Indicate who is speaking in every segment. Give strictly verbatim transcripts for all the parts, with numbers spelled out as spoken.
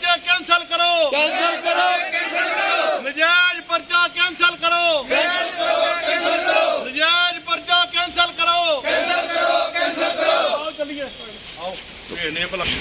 Speaker 1: पर्चे कैंसिल करो
Speaker 2: कैंसिल करो कैंसिल करो
Speaker 1: नजायज पर्चा कैंसिल करो
Speaker 2: कैंसिल करो कैंसिल करो
Speaker 1: नजायज पर्चा कैंसिल करो
Speaker 2: कैंसिल करो कैंसिल करो
Speaker 1: आओ चलिए आओ ये ने भला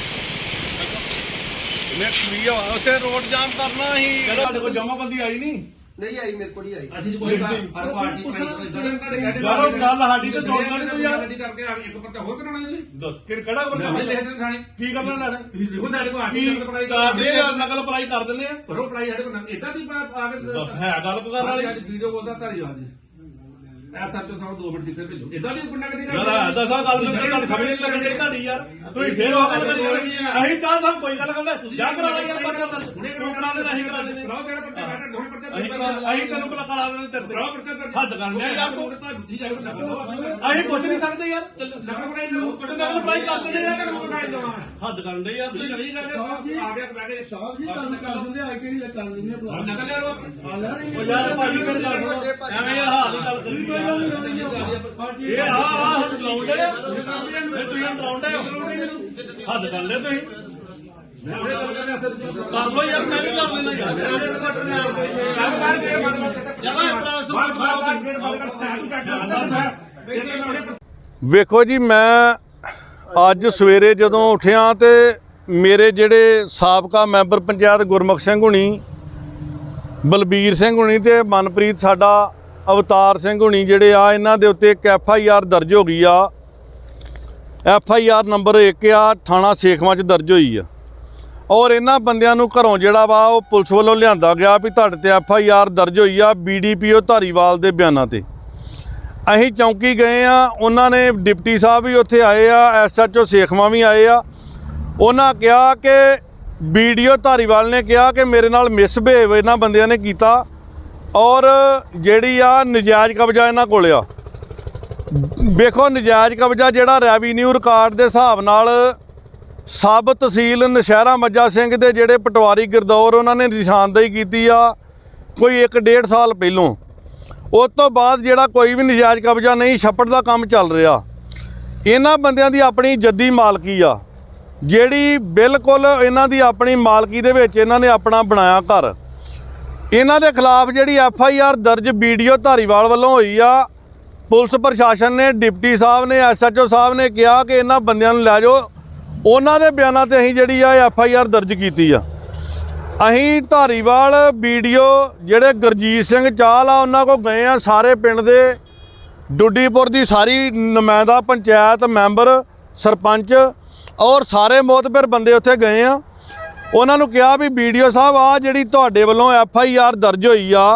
Speaker 1: इन्हें क्लियर उसे रोड जाम करना ही ਤੁਹਾਡੇ ਕੋਲ ਜਮਾਬੰਦੀ ਆਈ ਨਹੀਂ
Speaker 3: नहीं आई मेरे को नहीं आई
Speaker 4: ਅਸੀਂ ਕੋਈ ਹਰ ਪਾਰਟੀ ਬਣਾਈ
Speaker 1: ਯਾਰੋ ਗੱਲ ਸਾਡੀ ਤੇ ਜੋੜ ਨਹੀਂ ਕੋਈ ਯਾਰ
Speaker 4: ਕਰਕੇ ਇੱਕ ਪੱਤਾ ਹੋਰ ਕਰਾਉਣਾ ਜੀ
Speaker 1: ਫਿਰ ਕਿਹੜਾ ਬੰਦਾ
Speaker 4: ਲੈ ਦੇ ਥਾਣੇ
Speaker 1: ਕੀ ਕਰਨਾ ਲੈਣਾ
Speaker 4: ਦੇਖੋ ਸਾਡੇ ਕੋਲ ਆਰਟੀ
Speaker 1: ਕੀ
Speaker 4: ਪੜਾਈ
Speaker 1: ਕਰਦੇ ਆ ਨਕਲ ਪੜਾਈ ਕਰ ਦਿੰਦੇ ਆ
Speaker 4: ਪਰੋ ਪੜਾਈ ਸਾਡੇ ਕੋਲ ਇਦਾਂ ਦੀ ਆ ਕੇ
Speaker 1: ਦੱਸ ਹੈ ਗੱਲ ਕਰਨ ਵਾਲੀ
Speaker 4: ਵੀਡੀਓ ਬੋਲਦਾ ਧਾਰੀਵਾਲ ਜੀ ਐ ਸੱਚੋ ਸਾਨੂੰ ਦੋ ਮਿੰਟ ਕਿੱਥੇ ਭੇਜੋ ਇਦਾਂ ਦੀ ਗੁੰਡਾਗਰਦੀ
Speaker 1: ਯਾਰ ਐਦਾਂ ਸਾ ਗੱਲ ਨਹੀਂ ਗੱਲ ਸਮਝ ਨਹੀਂ ਲੱਗਣੀ ਤੁਹਾਡੀ ਯਾਰ ਤੁਸੀਂ ਫੇਰ ਉਹ ਗੱਲ ਕਰੀ ਅਸੀਂ ਚਾਹ ਸਭ ਕੋਈ ਗੱਲ ਕਰਦਾ ਜਾ ਕਰਾ ਲੈ ਯਾਰ ਪਰਚਾ ਦਰਜ ਤੂੰ ਕਰਾ ਲੈ ਨਹੀਂ ਕਰਾ ਦੇ
Speaker 4: ਕਰਾਓ ਜਿਹੜਾ ਪਰਚਾ ਬੈਠਾ ਦੋਨੇ ਪਰਚਾ
Speaker 1: ਅਸੀਂ ਅਸੀਂ ਤੈਨੂੰ ਬਲਾ ਕਰਾ ਦੇਣੇ ਤੇਰੇ
Speaker 4: ਕਰਾਓ ਪਰਚਾ ਦਰਜ
Speaker 1: ਹੱਦ ਕਰਨੇ ਆ ਯਾਰ ਤੂੰ
Speaker 4: ਬੁੱਧੀ ਜਾਵੇ
Speaker 1: ਅਸੀਂ ਪੁੱਛ ਨਹੀਂ ਸਕਦੇ ਯਾਰ
Speaker 4: ਨਕਲ ਬਣਾਈ ਲਓ
Speaker 1: ਨਕਲ ਪੜਾਈ ਕਰ ਦਿੰਦੇ ਯਾਰ
Speaker 4: ਨਕਲ ਬਣਾਈ ਲਓ
Speaker 1: ਹੱਦ ਕਰਨ ਦੇ ਯਾਰ ਤੁਸੀਂ
Speaker 4: ਨਹੀਂ ਕਰਦੇ ਆ ਗਿਆ ਬੈ ਕੇ
Speaker 3: साहब जी कल कर दिंदे आई किहड़ी कर दिंदे भला
Speaker 4: ਨਕਲ ਲੈ ਲਓ
Speaker 1: ਉਹ ਯਾਰ ਭਾਜੀ ਮੇਰੇ ਗੱਲ ਸੁਣੋ ਐਵੇਂ ਯਾਰ ਹਾਲ ਦੀ ਗੱਲ ਕਰੀ ਇਹ ਆ ਆ ਲਾਉਂਦੇ ਇਹ ਤੁਸੀਂ ਲਾਉਂਦੇ ਹੱਦ ਕਰ ਲੈ ਤੁਸੀਂ ਕਰ ਲੋ ਯਾਰ ਮੈਂ ਵੀ ਕਰ ਲੈਣਾ ਯਾਰ ਵੇਖੋ ਜੀ ਮੈਂ ਅੱਜ ਸਵੇਰੇ ਜਦੋਂ ਉੱਠਿਆ ਤੇ ਮੇਰੇ ਜਿਹੜੇ ਸਾਬਕਾ ਮੈਂਬਰ ਪੰਚਾਇਤ ਗੁਰਮੁਖ ਸਿੰਘ ਹੁਣੀ ਬਲਬੀਰ ਸਿੰਘ ਹੁਣੀ ਤੇ ਮਨਪ੍ਰੀਤ ਸਾਡਾ ਅਵਤਾਰ ਸਿੰਘ ਹੁਣੀ ਜਿਹੜੇ ਆ ਇਹਨਾਂ ਦੇ ਉੱਤੇ ਇੱਕ ਐਫ ਆਈ ਆਰ ਦਰਜ ਹੋ ਗਈ ਆ ਐਫ ਆਈ ਆਰ ਨੰਬਰ ਇੱਕ ਆ ਥਾਣਾ ਸੇਖਵਾਂ 'ਚ ਦਰਜ ਹੋਈ ਆ ਔਰ ਇਹਨਾਂ ਬੰਦਿਆਂ ਨੂੰ ਘਰੋਂ ਜਿਹੜਾ ਵਾ ਉਹ ਪੁਲਿਸ ਵੱਲੋਂ ਲਿਆਂਦਾ ਗਿਆ ਵੀ ਤੁਹਾਡੇ ਤੇ ਐਫ ਆਈ ਆਰ ਦਰਜ ਹੋਈ ਆ B D P O Dhariwal ਦੇ ਬਿਆਨਾਂ ਤੇ ਅਸੀਂ ਚੌਂਕੀ ਗਏ ਆ ਉਹਨਾਂ ਨੇ ਡਿਪਟੀ ਸਾਹਿਬ ਵੀ ਉੱਥੇ ਆਏ ਆ ਐਸ ਐਚ ਓ ਸੇਖਵਾਂ ਵੀ ਆਏ ਆ ਉਹਨਾਂ ਕਿਹਾ ਕਿ ਬੀ ਡੀ ਓ ਧਾਰੀਵਾਲ ਨੇ ਕਿਹਾ ਕਿ ਮੇਰੇ ਨਾਲ ਮਿਸਬਿਹੇਵ ਇਹਨਾਂ ਬੰਦਿਆਂ ਨੇ ਕੀਤਾ ਔਰ ਜਿਹੜੀ ਆ ਨਜਾਇਜ਼ ਕਬਜ਼ਾ ਇਹਨਾਂ ਕੋਲ ਆ ਵੇਖੋ ਨਜਾਇਜ਼ ਕਬਜ਼ਾ ਜਿਹੜਾ ਰੈਵੀਨਿਊ ਰਿਕਾਰਡ ਦੇ ਹਿਸਾਬ ਨਾਲ ਸਬ ਤਹਿਸੀਲ ਨਸ਼ਹਿਰਾ ਮੱਜਾ ਸਿੰਘ ਦੇ ਜਿਹੜੇ ਪਟਵਾਰੀ ਗਿਰਦੌਰ ਉਹਨਾਂ ਨੇ ਨਿਸ਼ਾਨਦੇਹੀ ਕੀਤੀ ਆ ਕੋਈ ਇੱਕ ਡੇਢ ਸਾਲ ਪਹਿਲੋਂ ਉਸ ਤੋਂ ਬਾਅਦ ਜਿਹੜਾ ਕੋਈ ਵੀ ਨਜਾਇਜ਼ ਕਬਜ਼ਾ ਨਹੀਂ ਛੱਪੜ ਦਾ ਕੰਮ ਚੱਲ ਰਿਹਾ ਇਹਨਾਂ ਬੰਦਿਆਂ ਦੀ ਆਪਣੀ ਜੱਦੀ ਮਾਲਕੀ ਆ ਜਿਹੜੀ ਬਿਲਕੁਲ ਇਹਨਾਂ ਦੀ ਆਪਣੀ ਮਾਲਕੀ ਦੇ ਵਿੱਚ ਇਹਨਾਂ ਨੇ ਆਪਣਾ ਬਣਾਇਆ ਘਰ ਇਹਨਾਂ ਦੇ ਖਿਲਾਫ ਜਿਹੜੀ ਐਫ ਆਈ ਆਰ ਦਰਜ ਬੀ ਡੀ ਓ ਧਾਰੀਵਾਲ ਵੱਲੋਂ ਹੋਈ ਆ ਪੁਲਿਸ ਪ੍ਰਸ਼ਾਸਨ ਨੇ ਡਿਪਟੀ ਸਾਹਿਬ ਨੇ ਐਸ ਐਚ ਓ ਸਾਹਿਬ ਨੇ ਕਿਹਾ ਕਿ ਇਹਨਾਂ ਬੰਦਿਆਂ ਨੂੰ ਲੈ ਜਾਓ ਉਹਨਾਂ ਦੇ ਬਿਆਨਾਂ ਤੇ ਅਸੀਂ ਜਿਹੜੀ ਆ ਐਫ ਆਈ ਆਰ ਦਰਜ ਕੀਤੀ ਆ ਅਸੀਂ ਧਾਰੀਵਾਲ ਬੀ ਡੀ ਓ ਜਿਹੜੇ ਗੁਰਜੀਤ ਸਿੰਘ ਚਾਹਲ ਆ ਉਹਨਾਂ ਕੋਲ ਗਏ ਆ ਸਾਰੇ ਪਿੰਡ ਦੇ ਡੁੱਡੀਪੁਰ ਦੀ ਸਾਰੀ ਨੁਮਾਇੰਦਾ ਪੰਚਾਇਤ ਮੈਂਬਰ ਸਰਪੰਚ ਔਰ ਸਾਰੇ ਮੋਤਬਰ ਬੰਦੇ ਉੱਥੇ ਗਏ ਆ ਉਹਨਾਂ ਨੂੰ ਕਿਹਾ ਵੀ ਬੀ ਡੀ ਓ ਸਾਹਿਬ ਆ ਜਿਹੜੀ ਤੁਹਾਡੇ ਵੱਲੋਂ ਐਫ ਆਈ ਆਰ ਦਰਜ ਹੋਈ ਆ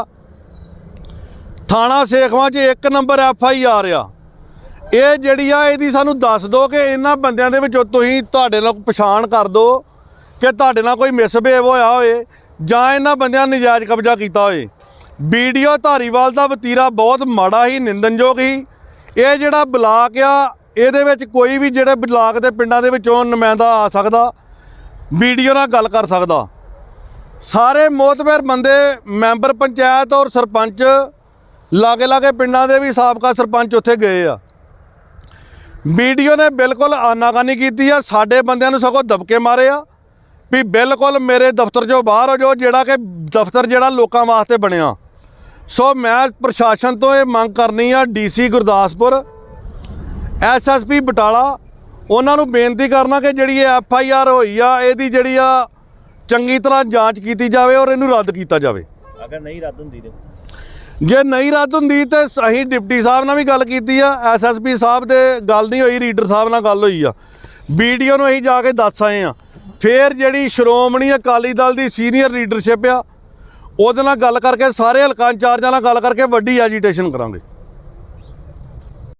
Speaker 1: ਥਾਣਾ ਸੇਖਵਾਂ 'ਚ ਇੱਕ ਨੰਬਰ ਐਫ ਆਈ ਆਰ ਆ ਇਹ ਜਿਹੜੀ ਆ ਇਹਦੀ ਸਾਨੂੰ ਦੱਸ ਦਿਓ ਕਿ ਇਹਨਾਂ ਬੰਦਿਆਂ ਦੇ ਵਿੱਚੋਂ ਤੁਸੀਂ ਤੁਹਾਡੇ ਨਾਲ ਪਛਾਣ ਕਰ ਦਿਓ ਕਿ ਤੁਹਾਡੇ ਨਾਲ ਕੋਈ ਮਿਸਬਿਹੇਵ ਹੋਇਆ ਹੋਏ ਜਾਂ ਇਹਨਾਂ ਬੰਦਿਆਂ ਨੇ ਨਜਾਇਜ਼ ਕਬਜ਼ਾ ਕੀਤਾ ਹੋਏ ਬੀ ਡੀ ਓ ਧਾਰੀਵਾਲ ਦਾ ਵਤੀਰਾ ਬਹੁਤ ਮਾੜਾ ਹੀ ਨਿੰਦਣਯੋਗ ਹੀ ਇਹ ਜਿਹੜਾ ਬਲਾਕ ਆ ਇਹਦੇ ਵਿੱਚ ਕੋਈ ਵੀ ਜਿਹੜੇ ਬਲਾਕ ਦੇ ਪਿੰਡਾਂ ਦੇ ਵਿੱਚੋਂ ਨੁਮਾਇੰਦਾ ਆ ਸਕਦਾ ਬੀ ਡੀ ਓ ਨਾਲ ਗੱਲ ਕਰ ਸਕਦਾ ਸਾਰੇ ਮੋਤਬਰ ਬੰਦੇ ਮੈਂਬਰ ਪੰਚਾਇਤ ਔਰ ਸਰਪੰਚ ਲਾਗੇ ਲਾਗੇ ਪਿੰਡਾਂ ਦੇ ਵੀ ਸਾਬਕਾ ਸਰਪੰਚ ਉੱਥੇ ਗਏ ਆ ਬੀ ਡੀ ਓ ਨੇ ਬਿਲਕੁਲ ਆਨਾਕਾਨੀ ਕੀਤੀ ਆ ਸਾਡੇ ਬੰਦਿਆਂ ਨੂੰ ਸਗੋਂ ਦਬਕੇ ਮਾਰੇ ਆ ਵੀ ਬਿਲਕੁਲ ਮੇਰੇ ਦਫ਼ਤਰ 'ਚੋਂ ਬਾਹਰ ਹੋ ਜਾਓ ਜਿਹੜਾ ਕਿ ਦਫ਼ਤਰ ਜਿਹੜਾ ਲੋਕਾਂ ਵਾਸਤੇ ਬਣਿਆ ਸੋ ਮੈਂ ਪ੍ਰਸ਼ਾਸਨ ਤੋਂ ਇਹ ਮੰਗ ਕਰਨੀ ਆ D C Gurdaspur S S P Batala ਉਹਨਾਂ ਨੂੰ ਬੇਨਤੀ ਕਰਨਾ ਕਿ ਜਿਹੜੀ ਇਹ ਐਫ ਆਈ ਆਰ ਹੋਈ ਆ ਇਹਦੀ ਜਿਹੜੀ ਆ ਚੰਗੀ ਤਰ੍ਹਾਂ ਜਾਂਚ ਕੀਤੀ ਜਾਵੇ ਔਰ ਇਹਨੂੰ ਰੱਦ ਕੀਤਾ ਜਾਵੇ
Speaker 5: ਅਗਰ ਨਹੀਂ ਰੱਦ ਹੁੰਦੀ ਤੇ
Speaker 1: ਜੇ ਨਹੀਂ ਰੱਦ ਹੁੰਦੀ ਤੇ ਅਸੀਂ ਡਿਪਟੀ ਸਾਹਿਬ ਨਾਲ ਵੀ ਗੱਲ ਕੀਤੀ ਆ ਐਸ ਐਸ ਪੀ ਸਾਹਿਬ ਦੇ ਗੱਲ ਨਹੀਂ ਹੋਈ ਰੀਡਰ ਸਾਹਿਬ ਨਾਲ ਗੱਲ ਹੋਈ ਆ ਬੀ ਡੀ ਓ ਨੂੰ ਅਸੀਂ ਜਾ ਕੇ ਦੱਸ ਆਏ ਆ ਫਿਰ ਜਿਹੜੀ ਸ਼੍ਰੋਮਣੀ ਅਕਾਲੀ ਦਲ ਦੀ ਸੀਨੀਅਰ ਲੀਡਰਸ਼ਿਪ ਆ ਉਹਦੇ ਨਾਲ ਗੱਲ ਕਰਕੇ ਸਾਰੇ ਹਲਕਾ ਇੰਚਾਰਜਾਂ ਨਾਲ ਗੱਲ ਕਰਕੇ ਵੱਡੀ ਐਜੀਟੇਸ਼ਨ ਕਰਾਂਗੇ।